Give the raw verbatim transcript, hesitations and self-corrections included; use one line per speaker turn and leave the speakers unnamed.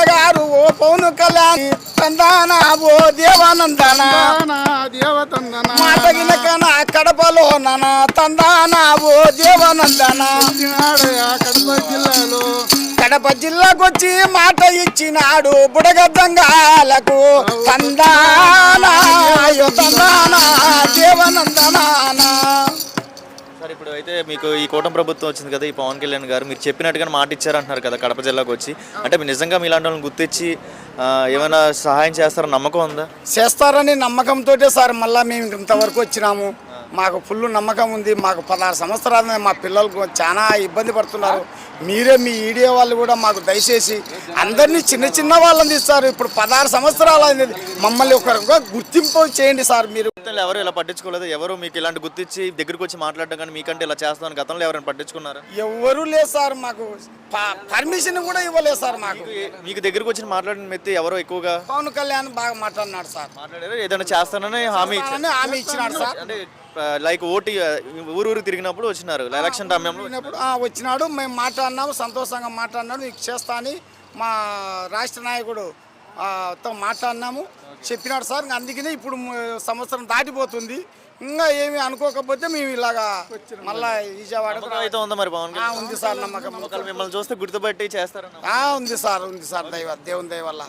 గారు ఓ పౌను కళ్యాణి తందానా ఓ దేవానందన
దేవతందన
మాట గినకన కడపలో నన తందానా ఓ దేవానందన
కడప జిల్లాలో
కడప జిల్లాకొచ్చి మాట ఇచ్చినాడు బుడగద్దంగాలకు తందానా అయ్యో తందానా దేవానందనా.
సార్ ఇప్పుడు అయితే మీకు ఈ కూటమి ప్రభుత్వం వచ్చింది కదా, ఈ పవన్ కళ్యాణ్ గారు మీరు చెప్పినట్టుగా మాట ఇచ్చారంటున్నారు కదా కడప జిల్లాకు వచ్చి, అంటే మీరు నిజంగా మీలాంటి వాళ్ళని గుర్తించి ఆ, ఏమైనా సహాయం చేస్తారని నమ్మకం ఉందా?
చేస్తారని నమ్మకంతో సార్ మళ్ళీ మేము ఇంతవరకు వచ్చినాము. మాకు ఫుల్ నమ్మకం ఉంది. మాకు పదహారు సంవత్సరాలు మా పిల్లలకు చాలా ఇబ్బంది పడుతున్నారు. మీరే మీ ఈడియో వాళ్ళు కూడా మాకు దయచేసి అందరినీ చిన్న చిన్న వాళ్ళని తీస్తారు. ఇప్పుడు పదహారు సంవత్సరాలు అయింది, మమ్మల్ని ఒక గుర్తింపు చేయండి సార్. మీరు
ఎవరు ఇలా పట్టించుకోలేదు? ఎవరు మీకు ఇలాంటి గుర్తించి దగ్గరికి వచ్చి మాట్లాడడం కానీ మీకంటే ఇలా చేస్తామని గతంలో ఎవరైనా పట్టించుకున్నారు?
ఎవరు లేదు సార్. మాకు పర్మిషన్ కూడా ఇవ్వలేదు సార్. మాకు
మీకు దగ్గరికి వచ్చి మాట్లాడిన మెత్తి ఎవరో ఎక్కువగా
పవన్ కళ్యాణ్ బాగా మాట్లాడినాడు సార్.
మాట్లాడారు, ఏదైనా చేస్తానని హామీ ఇచ్చారు.
హామీ ఇచ్చినాడు సార్.
అంటే లైక్ ఓటీ ఊరు ఊరు తిరిగినప్పుడు వచ్చినారు ఎలక్షన్ సమయంలో
వచ్చినాడు. మేము మాట్లాడినాము, సంతోషంగా మాట్లాడినాడు. నీకు చేస్తా అని మా రాష్ట్ర నాయకుడు తో మాట్లాడినాము, చెప్పినాడు సార్. అందుకనే ఇప్పుడు సంవత్సరం దాటిపోతుంది. ఇంకా ఏమి అనుకోకపోతే మేము ఇలాగా మళ్ళా విజయవాడ
అయితే ఉందా మరి పవన్
ఉంది సార్ నమ్మకం.
మిమ్మల్ని చూస్తే గుర్తుపట్టి చేస్తారు
ఉంది సార్, ఉంది సార్. దైవ దేవుని దయ వల్ల